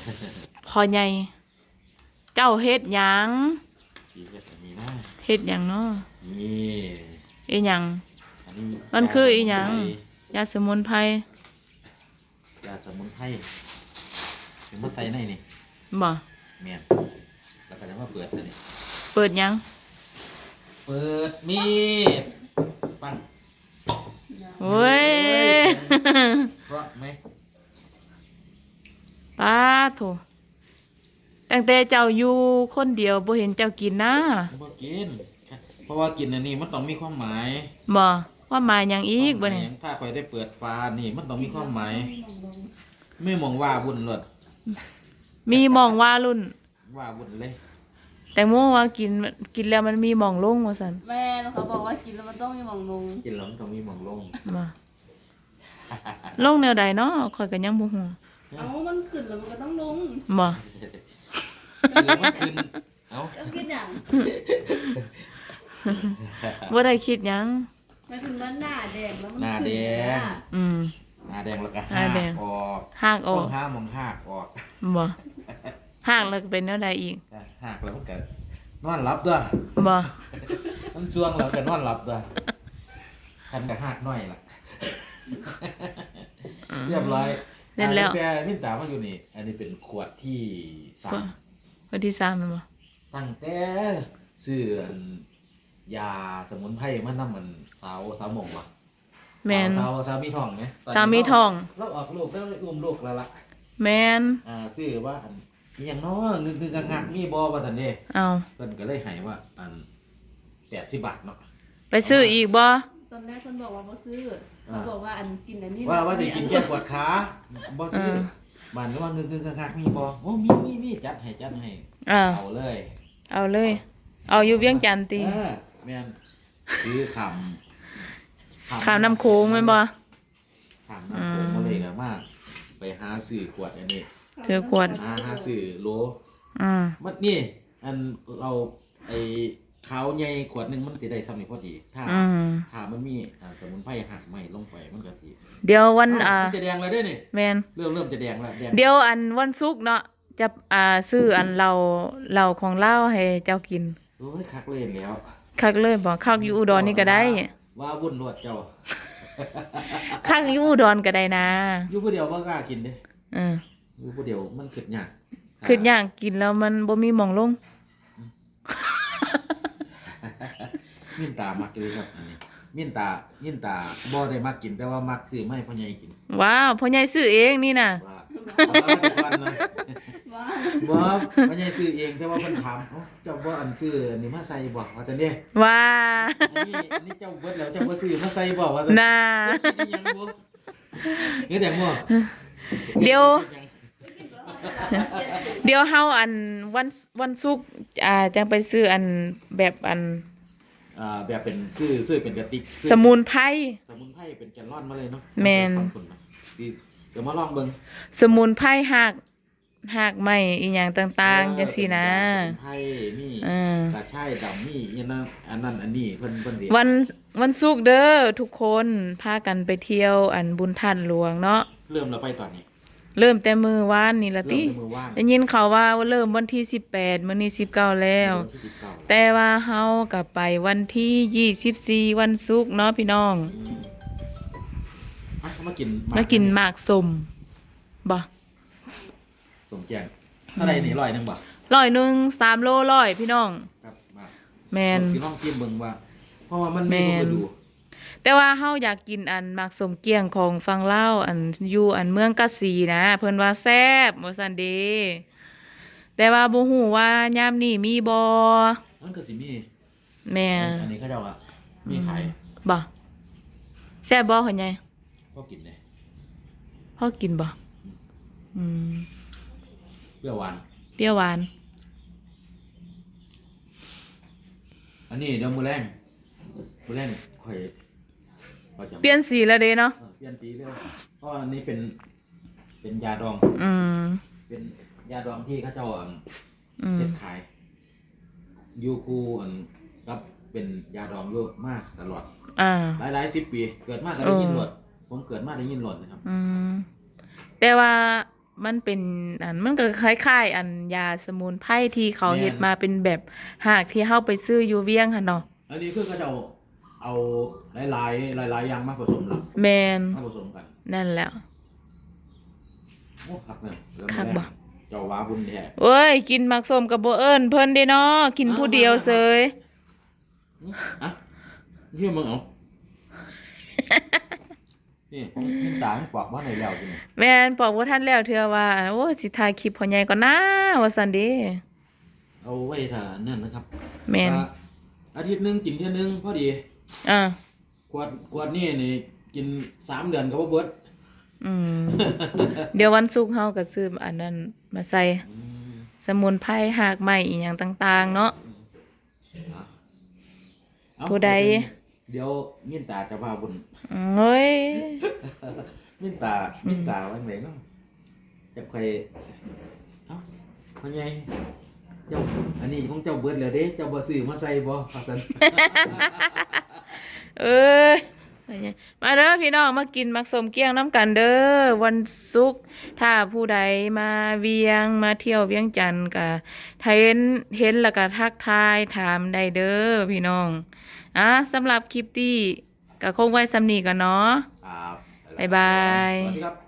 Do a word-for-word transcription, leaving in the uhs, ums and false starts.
พ่อใหญ่เจ้าเฮ็ดหยังสีเฮ็ดอันนี้นะเฮ็ดหยังเนาะนี่อีหยังอันนี้มันคืออีหยังยาสมุนไพรยาสมุนไพรถึงมาใส่ในนี่บ่แม่นแล้วก็จะมาเปิดตัวนี้เปิดหยังเปิดมีดปังโอ้ยเพราะไหมป้าโถตั้งแต่เจ้าอยู่คนเดียวบ่เห็นเจ้ากินนะบ่กินเพราะว่ากินอันนี้มันต้องมีความหมายบ่ว่าหมายหยังอีกบ่เนี่ยถ้าข่อยได้เปิดฟ้านี่มันต้องมีความหมายไม่มองว่าบุญหลดมีมองว่ารุ่นว่าบุญเลยแต่โมว่ากินกินแล้วมันมีหม่องลงว่าซั่นแม่เขาบอกว่ากินแล้วมันต้องมีหม่องลงกินแล้วมันต้องมีหม่องลงมาลงแนวใดเนาะข่อยก็ยังบ่ฮู้เอ้ามันขึ้นแล้วมันก็ต้องลงบ่กินแล้วมันขึ้นเอ้ากินหยังบ่ได้คิดหยังหมายถึงว่าหน้าแดงแล้วมันหน้าแดงอืมหน้าแดงแล้วก็หากออกหากออกห้ามองหากออกบ่หากแล้วก็เป็นแนวใดอีกหากแล้วมันก็นอนหลับด้วยบ่มันช่วงแล้วก็นอนหลับด้วยคันก็หากน้อยล่ะเรียบร้อยเล่นแล้วแต่มินตามาอยู่นี่อันนี้เป็นขวดที่สามขวดที่สามแม่นบ่ตั้งแต่ซื้อยาสมุนไพรมานำมันสาวสาวหม่องว่ะแม่นสาวสาวมีทองมั้ยสาวมีทองเราออกลูกแล้วอุ้มลูกแล้วล่ะแม่นอ่าชื่อว่าอันอีหยังน้องึกๆงักๆมีบ่ว่าซั่นเด้อ้าวเพิ่นก็เลยให้ว่าอันแปดสิบบาทเนาะไปซื้ออีกบ่ตอนแรกเพิ่นบอกว่าบ่ซื้อเขาบอกว่าอันกินอันนี้ว่าว่าสิกินแค่ปวดขาบ่ซื้อบ้านก็ว่างึกๆงักๆมีบ่โอ้มีมีๆจัดให้จัดให้เอาเลยเอาเลยเอาอยู่เวียงจันทน์ติเออแม่นคือคำข้ามน้ำโขงแม่นบ่ข้ามน้ำโขงมาเลยก็มาไปหาซื้อขวดอันนี้ถือขวดหาหาซื้อโหลอืมมันนี่อันเราไอ้ขาวใหญ่ขวดนึงมันสิได้ซ้ำนี่พอดีถ้าถ้ามันมีอ่าสมุนไพรหักใหม่ลงไปมันก็สิเดี๋ยววันอ่าจะแดงแล้วเด้อนี่แม่นเริ่มเริ่มจะแดงแล้วแดงเดี๋ยวอันวันศุกร์เนาะจะอ่าซื้ออันเราเราของเราให้เจ้ากินโอ้ยคักเลยแล้วคักเลยบ่คักอยู่อุดรนี่ก็ได้ว่าวุ่นรวดเจ้าคักอยู่อุดรก็ได้นะอยู่ผู้เดียวบ่กล้ากินเด้เอออยู่ผู้เดียวมันคิดยากคิดยากกินแล้วมันบ่มีหม่องลงมินตามักเลยครับอันนี้มินตามินตาบ่ได้มักกินแต่ว่ามักซื้อมาให้พ่อใหญ่กินว้าวพ่อใหญ่ซื้อเองนี่น่ะบ่พ่อใหญ่ซื้อเองแต่ว่าเพิ่นถามเอ้าเจ้าบ่อันซื้ออันนี้มาใส่บ่ว่าจังได๋ว้าอันนี้อันนี้เจ้าเบิดแล้วเจ้าบ่ซื้อมาใส่บ่ว่าจังน่ะคิดอีหยังบ่เฮ็ดหยังบ่เดี๋ยวเดี๋ยวเฮาอันวันวันศุกร์อ่าจังไปซื้ออันแบบอันอ่าแบบเป็นซื้อซื้อเป็นกระติกสมุนไพรสมุนไพรเป็นแกลลอนมาเลยเนาะแม่นดีเดี๋ยวมาลองเบิ่งสมุนไพรหากหากใหม่อีหยังต่างๆจังซี่นะสมุนไพรมีกระชายดำมีอีนั่นอันนั้นอันนี้เพิ่นเพิ่นสิวันวันศุกร์เด้อทุกคนพากันไปเที่ยวอันบุญท่านหลวงเนาะเริ่มแล้วไปตอนนี้เริ่มแต่มื้อวานนี่ล่ะติได้ยินเขาว่าเริ่มวันที่สิบแปดมื้อนี้สิบเก้าแล้วแต่ว่าเฮาก็ไปวันที่ยี่สิบสี่วันศุกร์เนาะพี่น้องมากินมากินหมากส้มบ่สมแจงเท่าไหร่นี่ร้อยนึงบ่ร้อยนึงสามโลร้อยพี่น้องครับมาแม่นสิลองกินเบิ่งว่าเพราะว่ามันมีบ่ดูแต่ว่าเฮาอยากกินอันหมากส้มเกี้ยงของฝั่งลาวอันอยู่อันเมืองกะสีนะเพิ่นว่าแซ่บว่าซั่นเด้แต่ว่าบ่ฮู้ว่ายามนี้มีบ่มันก็สิมีแม่อันนี้เขาเจ้าอ่ะมีขายบ่แซ่บบ่เฮ็ดไงพอกินเด้พอกินบ่อืมเปรี้ยวหวานเปรี้ยวหวานอันนี้เดี๋ยวมื้อแรงมื้อแรงค่อยเปลี่ยนสีแล้วเด้เนาะเปลี่ยนสีแล้วเพราะอันนี้เป็นเป็นยาดองอืมเป็นยาดองที่เขาเจ้าเฮ็ดขายอยู่คู่อันกับเป็นยาดองอยู่มากตลอดอ่าหลายๆสิบปีเกิดมาก็ได้ยินหลดผมเกิดมาได้ยินหลดนะครับอืมแต่ว่ามันเป็นอันมันก็คล้ายๆ อันยาสมุนไพรที่เขาเฮ็ดมาเป็นแบบหากที่เฮาไปซื้ออยู่เวียงหั่นเนาะอันนี้คือเขาจะเอาเอาหลายๆหลายๆอย่างมาผสมแล้วแม่นมาผสมกันนั่นแหล้วโอ้คักเนี่ยแล้วคักบ่เจ้าว้าบุญแท้เอ้ยกินมักส้มกับบ่เอิ้นเพิ่นเด้เนาะกินผู้เดียวเสยอ่ะเฮียมึงเอานี่มินตามันปอกว่าไหนแล้วกินนี่แม่นบอกว่าท่านแล้วเทื่อว่าโอ้สิถ่ายคลิปพ่อใหญ่ก่อนนะว่าซั่นเด้เอาไว้ถ้านั่นนะครับแม่นว่าอาทิตย์หนึงกินเที่ยหนึงพอดีอ่าขวดขวดนี่นี่กินสามเดือนก็บ่เบิดอืม เดี๋ยววันศุกร์เฮาก็ซื้ออันนั้นมาใส่อืมสมุนไพรหากไม้อีหยังต่างๆ เนาะอ่ะเอาผู้ใดเดี๋ยวมินตาจะว่าบุญอืมเฮ้ยมินตามินตาว่าไหนเนาะจะใครเอ้าพ่อใหญ่เจ้าอันนี้ของเจ้าเบิดแล้วเด้เจ้าบ่ซื้อมาใส่บ่ว่าซั่นเอ้ยมาเด้อพี่น้องมากินมักสมเกี้ยงน้ำกันเด้อวันศุกร์ถ้าผู้ใดมาเวียงมาเที่ยวเวียงจันทน์ก็ถ้าเห็นเห็นแล้วก็ทักทายถามได้เด้อพี่น้องอ่ะสำหรับคลิปนี้ก็คงไว้สำนี้กันเนาะครับบ๊ายบายสวัสดีครับ